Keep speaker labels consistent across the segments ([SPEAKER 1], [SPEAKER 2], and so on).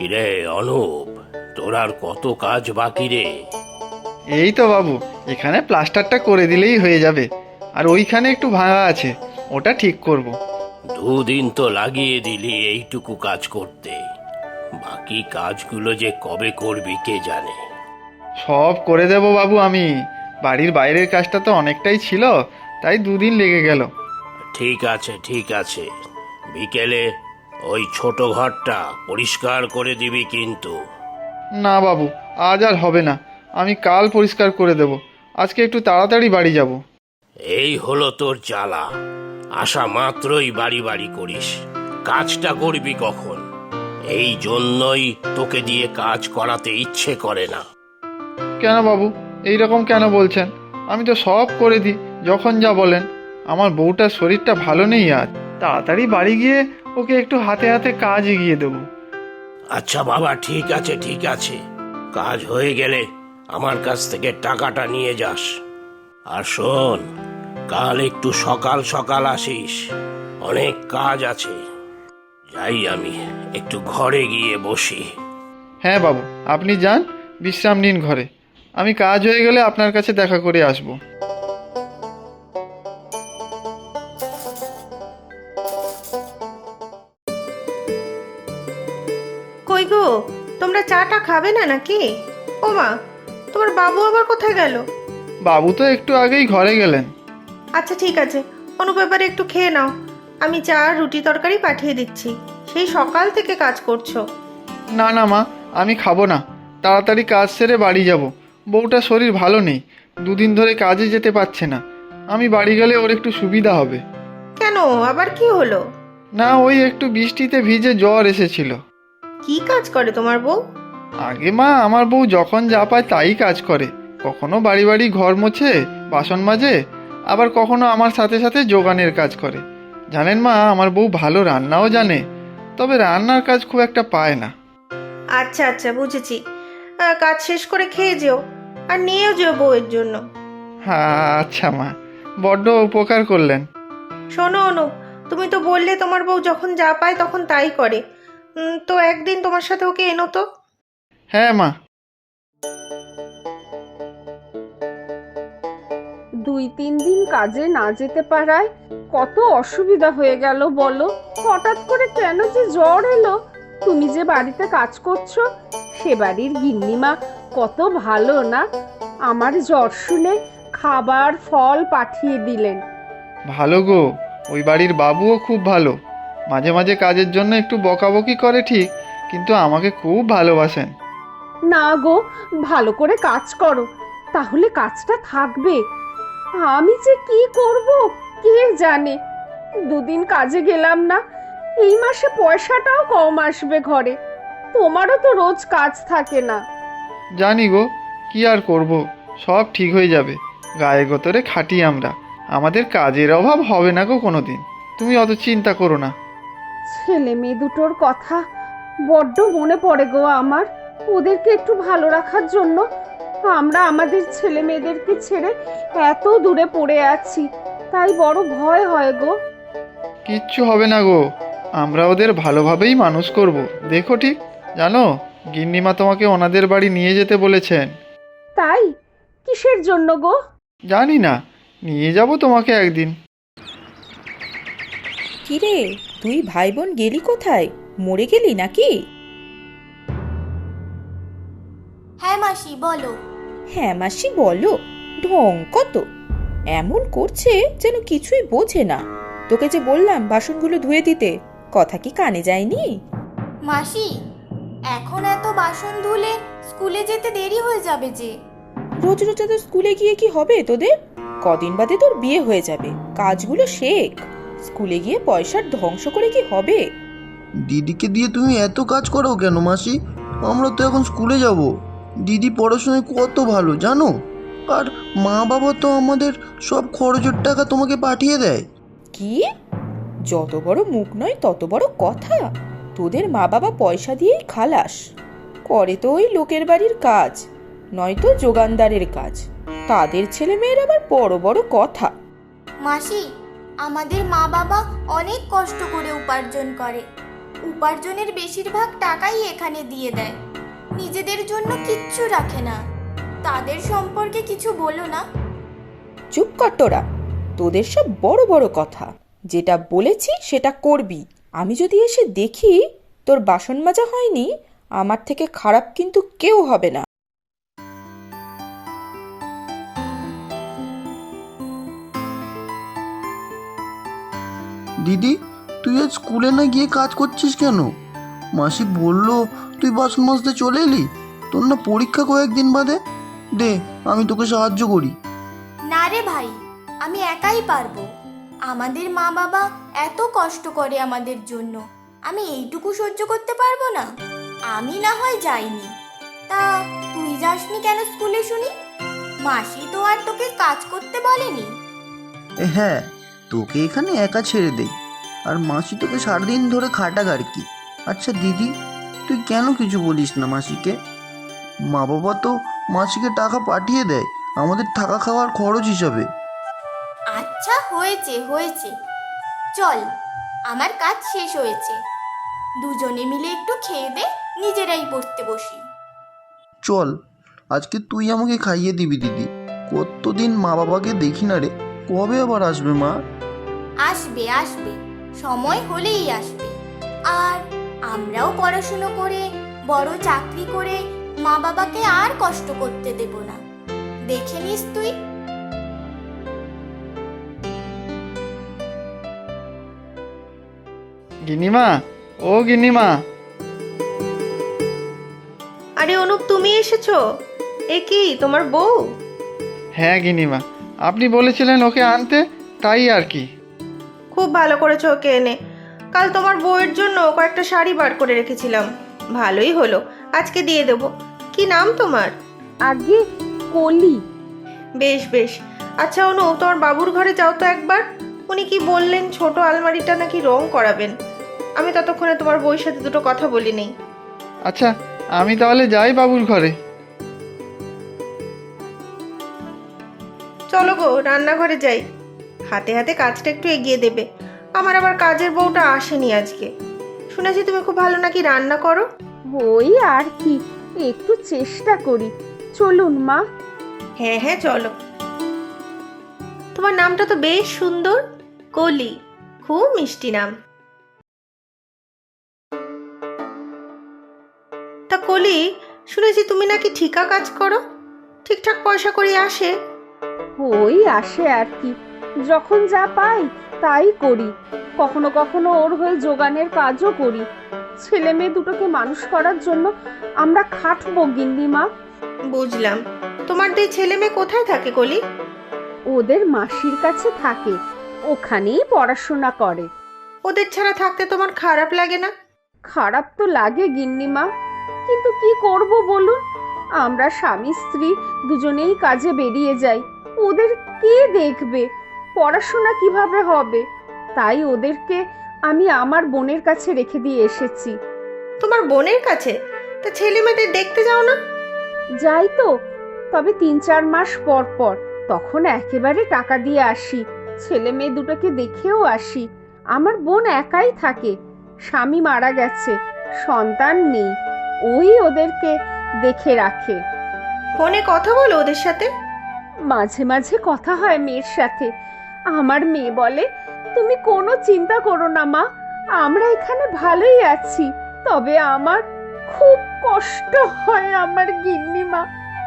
[SPEAKER 1] কিরে অনুপ, তোর আর কত কাজ বাকি রে?
[SPEAKER 2] এই তো বাবু, এখানে প্লাস্টারটা করে দিলেই হয়ে যাবে। আর ওইখানে একটু ভাঙা আছে, ওটা ঠিক করব।
[SPEAKER 1] দুদিন তো লাগিয়ে দিলি এইটুকু কাজ করতে, বাকি কাজগুলো যে কবে করবি কে জানে।
[SPEAKER 2] সব করে দেব বাবু আমি। বাড়ির বাইরের কাজটা তো অনেকটাই ছিল, তাই দুদিন লেগে গেল।
[SPEAKER 1] ঠিক আছে ঠিক আছে, বিকেলে ওই ছোট ঘরটা পরিষ্কার করে দিবি কিন্তু।
[SPEAKER 2] না বাবু, আজ আর হবে না, আমি কাল পরিষ্কার করে দেব। আজকে একটু তাড়াতাড়ি বাড়ি যাব।
[SPEAKER 1] এই হলো তোর জ্বালা, আসা মাত্রই বাড়ি বাড়ি করিস, কাজটা করবি কখন? এই জন্যই তোকে দিয়ে কাজ করাতে ইচ্ছে করে না।
[SPEAKER 2] কেন বাবু, এই রকম কেন বলছেন? আমি তো সব করে দিই যখন যা বলেন। আমার বউটার শরীরটা ভালো নেই আজ, তাড়াতাড়ি বাড়ি গিয়ে ওকে একটু হাতে হাতে কাজ এগিয়ে দেবো।
[SPEAKER 1] আচ্ছা বাবা, ঠিক আছে ঠিক আছে, কাজ হয়ে গেলে আমার কাছ থেকে টাকাটা নিয়ে যাস। আর শোন, কাল একটু সকাল সকাল আসিস, অনেক কাজ আছে। যাই আমি একটু ঘরে গিয়ে বসি।
[SPEAKER 2] হ্যাঁ বাবু, আপনি যান, বিশ্রাম নিন ঘরে। আমি কাজ হয়ে গেলে আপনার কাছে দেখা করে আসব।
[SPEAKER 3] কই গো, তোমরা চাটা খাবে না নাকি? ও মা, তোমার বাবু আবার কোথায় গেল?
[SPEAKER 2] বাবু তো একটু আগেই ঘরে গেলেন।
[SPEAKER 3] আচ্ছা ঠিক আছে, অনুপ এবারে একটু খেয়ে নাও। আমি চা আর রুটি তরকারি পাঠিয়ে দিচ্ছি। সেই সকাল থেকে কাজ করছো।
[SPEAKER 2] না না মা, আমি খাবো না। তাড়াতাড়ি কাজ সেরে বাড়ি যাব। বউটার শরীর ভালো নেই, দুদিন ধরে কাজে যেতে পারছে না। আমি বাড়ি গেলে ওর একটু সুবিধা হবে।
[SPEAKER 3] কেন, আবার কি হলো?
[SPEAKER 2] না, ওই একটু বৃষ্টিতে ভিজে জ্বর এসেছিল।
[SPEAKER 3] কি কাজ করে তোমার বউ?
[SPEAKER 2] আগে মা, আমার বউ যখন যা পায় তাই কাজ করে। কখনো বাড়ি বাড়ি ঘর মোছে, বাসন মাজে, আবার কখনো আমার সাথে সাথে যোগানের কাজ করে। জানেন মা, আমার বউ ভালো রান্নাও জানে, তবে রান্নার কাজ খুব একটা পায় না।
[SPEAKER 3] আচ্ছা আচ্ছা, বুঝেছি। কাজ শেষ করে খেয়ে যেও, আর নিয়েও যেও বউয়ের জন্য।
[SPEAKER 2] হ্যাঁ আচ্ছা মা, বড্ড উপকার করলেন।
[SPEAKER 3] শোনো অনুপ, তুমি তো বললে তোমার বউ যখন যা পায় তখন তাই করে। তো একদিন তোমার সাথে ওকে এনো তো।
[SPEAKER 2] হ্যাঁ মা।
[SPEAKER 4] 2-3 দিন কাজে না যেতে পারায় কত অসুবিধা হয়ে গেল বলো। হঠাৎ করে কেন যে জ্বর এলো। তুমি যে বাড়িতে কাজ করছো, সে বাড়ির গিন্নিমা কত ভালো না, আমার জ্বর শুনে খাবার ফল পাঠিয়ে দিলেন।
[SPEAKER 2] ভালো গো, ওই বাড়ির বাবুও খুব ভালো। মাঝে মাঝে কাজের জন্য একটু বকাবকি করে ঠিক, কিন্তু আমাকে খুব ভালোবাসেন।
[SPEAKER 4] না গো, ভালো করে কাজ করো, তাহলে কাজটা থাকবে। আমি যে কি করব কে জানে। 2 দিন কাজে গেলাম না, এই মাসে পয়সাটাও কম আসবে ঘরে। তোমারও তো রোজ কাজ থাকে না।
[SPEAKER 2] জানি গো, কি আর করব, সব ঠিক হয়ে যাবে। গায়ে গতরে খাটি আমরা, আমাদের কাজের অভাব হবে না গো কোনোদিন। তুমি অত চিন্তা করো না।
[SPEAKER 4] ছেলে মেয়ে দুটোর কথা বড্ড মনে পড়ে গো আমার। ওদেরকে একটু ভালো রাখার জন্য আমরা আমাদের ছেলে মেয়েদেরকে ছেড়ে এত দূরে পড়ে আছি, তাই বড় ভয় হয় গো।
[SPEAKER 2] কিচ্ছু হবে না গো, আমরা ওদের ভালোভাবেই মানুষ করব। দেখো ঠিক, জানো, গিন্নিমা তোমাকে ওনাদের বাড়ি নিয়ে যেতে বলেছেন।
[SPEAKER 4] তাই? কিসের জন্য গো?
[SPEAKER 2] জানি না, নিয়ে যাব তোমাকে একদিন।
[SPEAKER 5] কিরে, তুই ভাই বোন গেলি কোথায়? মরে গেলি নাকি?
[SPEAKER 6] হ্যাঁ মাসি বলো।
[SPEAKER 5] হ্যাঁ মাসি বলো, ঢং কত! এমন করছে যেন কিছুই বোঝে না। তোকে যে বললাম বাসনগুলো ধুয়ে দিতে, কথা কি কানে যায়নি?
[SPEAKER 6] মাসি, এখন এত বাসন ধুলে স্কুলে যেতে দেরি হয়ে যাবে যে।
[SPEAKER 5] রোজ রোজ তো স্কুলে গিয়ে কি হবে তোদের? কদিন বাদে তোর বিয়ে হয়ে যাবে, কাজগুলো শেখ। স্কুলে গিয়ে পয়সার ধ্বংস করে কি হবে?
[SPEAKER 7] দিদিকে দিয়ে তুমি এত কাজ করো কেন মাসি? আমরা তো এখন স্কুলে যাব। দিদি পড়াশোনায় কত ভালো জানো, আর মা বাবা তো আমাদের সব খরচের টাকা তোমাকে পাঠিয়ে দেয়।
[SPEAKER 5] কি? যত বড় মুখ নয় তত বড় কথা। তোদের মা বাবা পয়সা দিয়েই খালাস করে, তো ওই লোকের বাড়ির কাজ, নয়তো যোগানদারের কাজ। তাদের ছেলে মেয়ের আবার বড় বড় কথা।
[SPEAKER 6] মাসি, আমাদের মা বাবা অনেক কষ্ট করে উপার্জন করে, উপার্জনের বেশিরভাগ টাকাই এখানে দিয়ে দেয়, নিজেদের জন্য কিচ্ছু রাখে না। তাদের সম্পর্কে কিছু বলো না।
[SPEAKER 5] চুপ কর তোরা, তোদের সব বড় বড় কথা। যেটা বলেছি সেটা করবি। আমি যদি এসে দেখি তোর বাসন মাজা হয়নি, আমার থেকে খারাপ কিন্তু কেউ হবে না।
[SPEAKER 7] দিদি, তুই আজ স্কুলে না গিয়ে কাজ করছিস কেন? মাসি বললো তুই বাসন মাজতে চলে এলি। তোর না পরীক্ষা কয়েকদিন বাদে। দে, আমি তোকে সাহায্য করি।
[SPEAKER 6] না রে ভাই, আমি একাই পারবো। আমাদের মা বাবা এত কষ্ট করে আমাদের জন্য, আমি এইটুকু সহ্য করতে পারবো না? আমি না হয় যাইনি, তা তুই যাসনি কেন স্কুলে শুনি? মাসি তো আর তোকে কাজ করতে বলেনি?
[SPEAKER 7] হ্যাঁ, তোকে এখানে একা ছেড়ে দেই, আর মাসি তোকে সারাদিন ধরে খাটাক আর কি। আচ্ছা দিদি, তুই কেন কিছু বলিস না মাসিকে? মা বাবা তো মাসিকে টাকা পাঠিয়ে দেয় আমাদের থাকা খাওয়ার খরচ হিসাবে।
[SPEAKER 6] আচ্ছা, হয়েছে হয়েছে, চল, আমার কাজ শেষ হয়েছে। দুজনে মিলে একটু খেয়ে দে, নিজেরাই পড়তে বসি।
[SPEAKER 7] চল, আজকে তুই আমাকে খাইয়ে দিবি দিদি। কতদিন মা বাবাকে দেখি না রে। কবে আবার আসবে মা?
[SPEAKER 6] আসবে আসবে, সময় হলেই আসবে। আর আমরাও পড়াশুনো করে বড় চাকরি করে মা বাবাকে আর কষ্ট করতে দেব না, দেখে নিস তুই।
[SPEAKER 2] গিন্নিমা, ও গিন্নিমা।
[SPEAKER 3] আরে অনুপ, তুমি এসেছো? এ কি তোমার বউ?
[SPEAKER 2] হ্যাঁ গিন্নিমা, আপনি বলেছিলেন ওকে আনতে, তাই আর কি।
[SPEAKER 3] খুব ভালো করেছো ওকে এনে। কাল তোমার বউয়ের জন্য কয়েকটা শাড়ি বার করে রেখেছিলাম, ভালোই হলো, আজকে দিয়ে দেবো। কি নাম তোমার?
[SPEAKER 4] আগে কলি।
[SPEAKER 3] বেশ বেশ। আচ্ছা অনু, তোমার বাবুর ঘরে যাও তো একবার। উনি কি বললেন ছোট আলমারিটা নাকি রং করাবেন। আমি ততক্ষণে তোমার বউয়ের সাথে দুটো কথা বলি নেই।
[SPEAKER 2] আচ্ছা, আমি তাহলে যাই বাবুর ঘরে।
[SPEAKER 3] চলো গো, রান্নাঘরে যাই। হাতে হাতে কাজটা একটু এগিয়ে দেবে। আমার আবার কাজের বউটা আসেনি আজকে। শুনেছি তুমি খুব ভালো নাকি রান্না করো।
[SPEAKER 4] ওই আর কি, একটু চেষ্টা করি। চলুন মা।
[SPEAKER 3] হ্যাঁ হ্যাঁ, চলো। তোমার নামটা তো বেশ সুন্দর, কলি। খুব মিষ্টি নাম। তা কলি, শুনেছি তুমি নাকি ঠিকা কাজ করো, ঠিকঠাক পয়সা করি আসে?
[SPEAKER 4] ওই আসে আর কি, যখন যা পাই তাই করি। কখনো কখনো ওর হয়ে যোগানের কাজও করি। ছেলে মেয়ে দুটোকে মানুষ করার জন্য আমরা খাটবো গিন্নিমা।
[SPEAKER 3] বুঝলাম। তোমার দুই ছেলে মেয়ে কোথায় থাকে কলি?
[SPEAKER 4] ওদের মাসির কাছে থাকে, ওখানেই পড়াশোনা করে।
[SPEAKER 3] ওদের ছাড়া থাকতে তোমার খারাপ লাগে না?
[SPEAKER 4] খারাপ তো লাগে গিন্নিমা, কিন্তু কি করব বলুন। আমরা স্বামী স্ত্রী দুজনেই কাজে বেরিয়ে যাই, ওদের কে দেখবে? পড়াশোনা কিভাবে হবে? তাই ওদেরকে আমি আমার বোনের কাছে রেখে দিয়ে এসেছি।
[SPEAKER 3] তোমার বোনের কাছে? তা ছেলে মেয়েদের দেখতে যাও না?
[SPEAKER 4] যাই তো, তবে 3-4 মাস পর পর, তখন একেবারে টাকা দিয়ে আসি। ছেলে মেয়ে দুটোকে দেখেও আসি। আমার বোন একাই থাকে, স্বামী মারা গেছে, সন্তান নেই। ওই ওদেরকে দেখে রাখে।
[SPEAKER 3] ফোনে কথা বলো ওদের সাথে?
[SPEAKER 4] মাঝে মাঝে কথা হয় মেয়ের সাথে। আমার মেয়ে বলে, তুমি কোনো চিন্তা করো না মা, আমরা এখানে ভালোই আছি। তবে আমার খুব কষ্ট হয় আমার গিন্নিমা।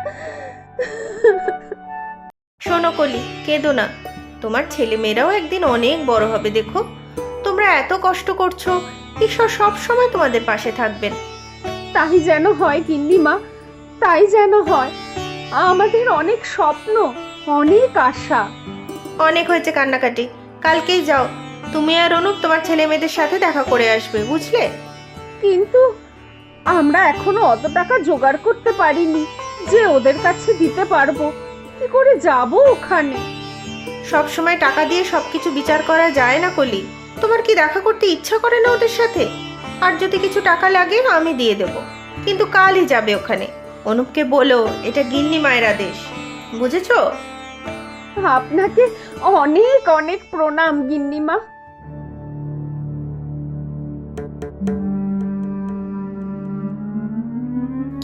[SPEAKER 3] শোনো কলি, কেঁদো না। তোমার ছেলে মেয়েরাও একদিন অনেক বড় হবে, দেখো। তোমরা এত কষ্ট করছো, ঈশ্বর সব সময় তোমাদের পাশে থাকবেন।
[SPEAKER 4] তাই যেন হয় গিন্নিমা, তাই যেন হয়। আমাদের অনেক স্বপ্ন, অনেক আশা।
[SPEAKER 3] অনেক হয়েছে কান্নাকাটি, কালকেই যাও। তুমি আর অনুপ তোমার ছেলে মেয়েদের সাথে দেখা করে আসবে, বুঝলে?
[SPEAKER 4] কিন্তু আমরা এখনো অত টাকা জোগাড় করতে পারিনি যে ওদের কাছে দিতে পারবো। কি করে যাব ওখানে?
[SPEAKER 3] সব সময় টাকা দিয়ে সবকিছু বিচার করা যায় না কলি। তোমার কি দেখা করতে ইচ্ছা করে না ওদের সাথে? আর যদি কিছু টাকা লাগে আমি দিয়ে দেব, কিন্তু কালই যাবে ওখানে। অনুপকে বলো এটা গিন্নি মায়ের আদেশ, বুঝেছো?
[SPEAKER 4] আপনাকে অনেক অনেক প্রণাম গিন্নিমা।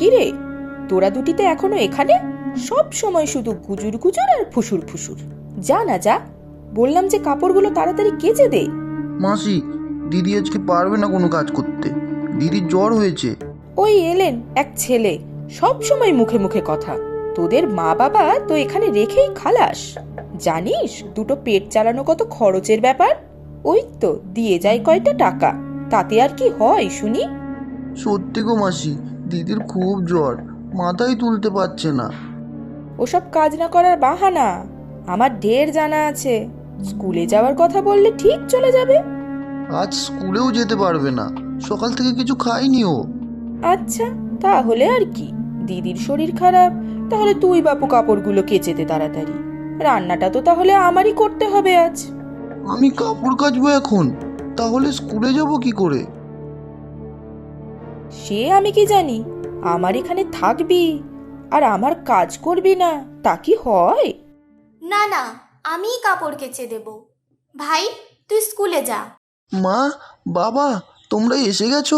[SPEAKER 5] কি রে, তোরা দুটিতে এখনো এখানে? সব সময় শুধু গুজুর গুজুর আর ফুসুর ফুসুর। যা না যা, বললাম যে কাপড়গুলো তাড়াতাড়ি কেচে দে।
[SPEAKER 7] মাসি, দিদি আজকে পারবে না কোনো কাজ করতে, দিদির জ্বর হয়েছে।
[SPEAKER 5] ওই এলেন এক ছেলে, সব সময় মুখে মুখে কথা। তোদের মা বাবা তো এখানে রেখেই খালাস। জানিস দুটো পেট চালানো কত খরচের ব্যাপার? ওই তো দিয়ে যায় কয়টা টাকা, তাতে আর কি হয় শুনি?
[SPEAKER 7] সত্যি গো মাসি, দিদির খুব জ্বর, মাথায় তুলতে পারছে না।
[SPEAKER 5] ওসব কাজ না করার বাহানা, আমার ঢের জানা আছে। স্কুলে যাওয়ার কথা বললে ঠিক চলে যাবে।
[SPEAKER 7] আজ স্কুলেও যেতে পারবে না, সকাল থেকে কিছু খাইনি ও।
[SPEAKER 5] আচ্ছা তাহলে আর কি, দিদির শরীর খারাপ, তাহলে তুই বাপু কাপড়গুলো কেচে দে তাড়াতাড়ি। রান্নাটা তো তাহলে আমারই করতে হবে আজ।
[SPEAKER 7] আমি কাপড় কাচবো এখন, তাহলে স্কুলে যাব কি করে?
[SPEAKER 5] সে আমি কি জানি, আমার এখানে থাকবি আর আমার কাজ করবি না, তা কি হয়?
[SPEAKER 6] না না, আমিই কাপড় কেচে দেব। ভাই, তুই স্কুলে যা।
[SPEAKER 7] মা, বাবা, তোমরা এসে গেছো?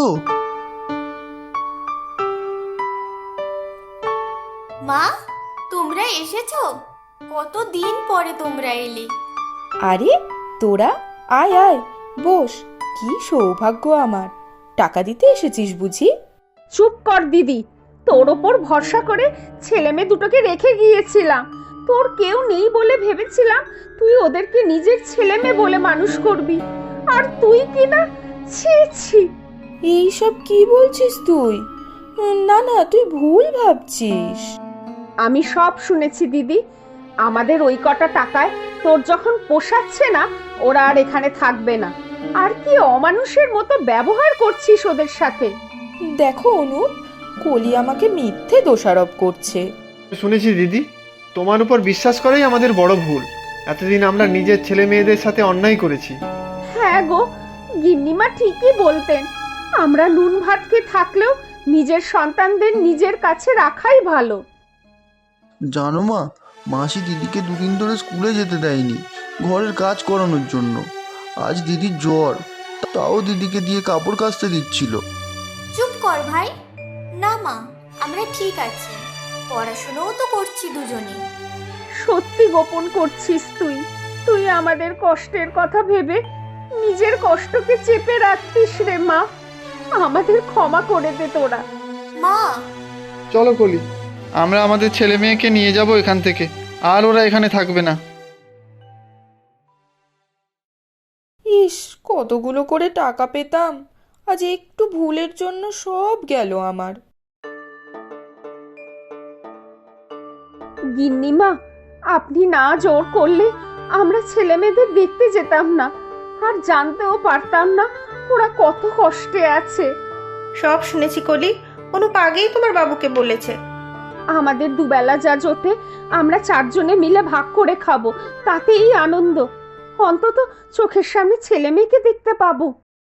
[SPEAKER 6] মা, তোমরা এসেছো? কতদিন পরে তোমরা এলে।
[SPEAKER 5] আরে তোরা আয় আয়, বস। কি সৌভাগ্য আমার, টাকা দিতে এসেছিস বুঝি?
[SPEAKER 4] চুপ কর দিদি, তোর ওপর ভরসা করে ছেলে মেয়ে দুটোকে রেখে গিয়েছিলাম। তোর কেউ নেই বলে ভেবেছিলাম তুই ওদেরকে নিজের ছেলে মেয়ে বলে মানুষ করবি, আর তুই কি না, ছি ছি।
[SPEAKER 5] এইসব কি বলছিস তুই? না না, তুই ভুল ভাবছিস।
[SPEAKER 4] আমি সব শুনেছি দিদি। আমাদের ওই কটা টাকায় তোর যখন পোষাচ্ছে না, ওরা আর এখানে থাকবে না। আর কি অমানুষের মতো ব্যবহার করছিস ওদের সাথে।
[SPEAKER 5] দেখো অনুপ, কলি আমাকে মিথ্যে দোষারোপ করছে।
[SPEAKER 2] শুনেছি দিদি, তোমার উপর বিশ্বাস করাই আমাদের বড় ভুল। এতদিন আমরা নিজের ছেলে মেয়েদের সাথে অন্যায় করেছি।
[SPEAKER 4] হ্যাঁ গো, গিন্নিমা ঠিকই বলতেন। আমরা নুন ভাত খেয়ে থাকলেও নিজের সন্তানদের নিজের কাছে রাখাই ভালো।
[SPEAKER 7] জানো মা, মাসি দিদিকে দুদিন ধরে স্কুলে যেতে দেয়নি, ঘরের কাজ করানোর জন্য। আজ দিদির জ্বর, তাও দিদিকে দিয়ে কাপড় কাচতে দিচ্ছিল।
[SPEAKER 6] চুপ কর ভাই। না মা, আমরা ঠিক আছি, পড়াশোনাও তো করছি দুজনে।
[SPEAKER 4] সত্যি গোপন করছিস তুই। তুই আমাদের কষ্টের কথা ভেবে নিজের কষ্টকে চেপে রাখতিস রে মা। আমাদের ক্ষমা করে দে তোরা।
[SPEAKER 6] মা,
[SPEAKER 2] চলো কলি, আমরা আমাদের ছেলে মেয়েকে নিয়ে যাব এখান থেকে, আর ওরা এখানে থাকবে না।
[SPEAKER 5] ইস, কতগুলো করে টাকা পেতাম, আজ একটু ভুলের জন্য সব গেল আমার।
[SPEAKER 4] গিন্নিমা, আপনি না জোর করলে আমরা ছেলে মেয়েদের দেখতে যেতাম না, আর জানতেও পারতাম না ওরা কত কষ্টে আছে।
[SPEAKER 3] সব শুনেছি কলি, অনুপ আগেই তোমার বাবুকে বলেছে।
[SPEAKER 4] আমাদের দুবেলা যা জোটে আমরা চারজনে মিলে ভাগ করে খাবো, তাতেই আনন্দ। অন্তত চোখের সামনে ছেলে মেয়েকে দেখতে পাবো।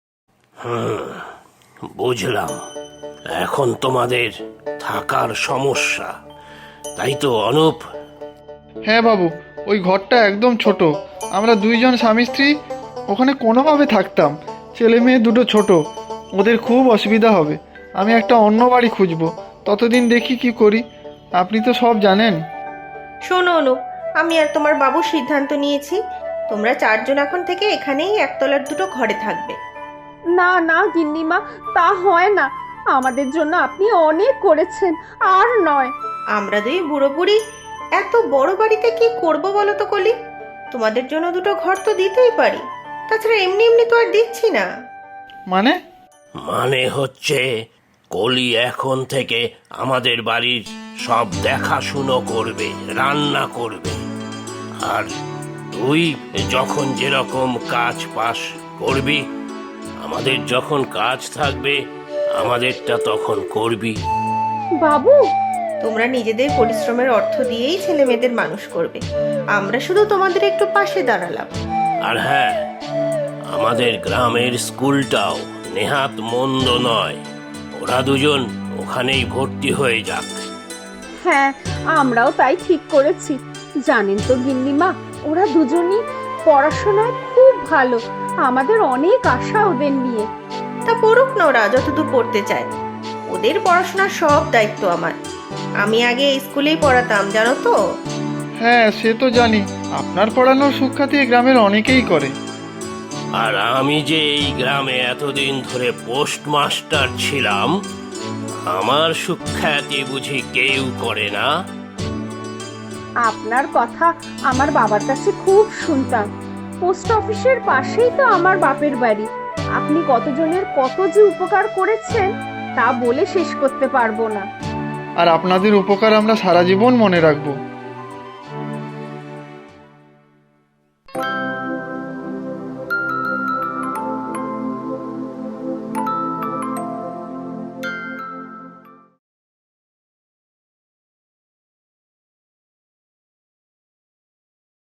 [SPEAKER 1] বুঝলাম, এখন তোমাদের থাকার সমস্যা, তাই তো অনুপ?
[SPEAKER 2] হ্যাঁ বাবু, ওই ঘরটা একদম ছোট। আমরা দুইজন স্বামী স্ত্রী ওখানে কোনোভাবে থাকতাম। ছেলে মেয়ে দুটো ছোট, ওদের খুব অসুবিধা হবে। আমি একটা অন্য বাড়ি খুঁজবো, ততদিন দেখি কি করি। আপনি তো সব জানেন।
[SPEAKER 3] শোনো অনুপ, আমি আর তোমার বাবু সিদ্ধান্ত নিয়েছি, তোমরা চারজন এখন থেকে এখানেই একতলার দুটো ঘরে থাকবে।
[SPEAKER 4] না না গিন্নিমা, তা হয় না। আমাদের জন্য আপনি অনেক করেছেন, আর নয়।
[SPEAKER 3] আমরা দুই বুড়ো বুড়ি এত বড় বাড়িতে কি করব বলো তো কলি? তোমাদের জন্য দুটো ঘর তো দিতেই পারি, তাছাড়া এমনি এমনি তো আর দিচ্ছি না।
[SPEAKER 2] মানে?
[SPEAKER 1] মানে হচ্ছে কলি এখন থেকে আমাদের বাড়ির সব দেখাশুনো করবে, রান্না করবে, আর তুই যখন যেরকম কাজ পাস করবি। আমাদের যখন কাজ থাকবে আমাদেরটা তখন করবি।
[SPEAKER 4] বাবু,
[SPEAKER 3] তোমরা নিজেদের পরিশ্রমের অর্থ দিয়েই ছেলে মেয়েদের মানুষ করবে, আমরা শুধু তোমাদের একটু পাশে দাঁড়ালাম।
[SPEAKER 1] আর হ্যাঁ, আমাদের গ্রামের স্কুলটাও নেহাত মন্দ নয়, ওরা দুজন ওখানেই ভর্তি হয়ে যাক।
[SPEAKER 4] হ্যাঁ, আমরাও তাই ঠিক করেছি। জানেন তো গিন্নিমা, ওরা দুজনই পড়াশোনায় খুব ভালো। আমাদের অনেক আশা ওদের নিয়ে।
[SPEAKER 3] তা পড়ুক না ওরা যতদূর পড়তে চায়। ওদের পড়াশোনার সব দায়িত্ব আমার। আমি আগে এই স্কুলেই পড়াতাম, জানো তো।
[SPEAKER 2] হ্যাঁ, সে তো জানি। আপনার পড়ানোর সুখ্যাতি এই গ্রামের অনেকেই করে।
[SPEAKER 1] আর আমি যে এই গ্রামে এতদিন ধরে পোস্টমাস্টার ছিলাম, আমার সুখ্যাতি বুঝি কেউ করে না?
[SPEAKER 4] আপনার কথা আমার বাবার কাছে খুব শুনতাম। পোস্ট অফিসের পাশেই তো আমার বাপের বাড়ি। আপনি কতজনের কত যে উপকার করেছেন তা বলে শেষ করতে পারবো না।
[SPEAKER 2] আর আপনাদের উপকার আমরা সারা জীবন মনে রাখবো।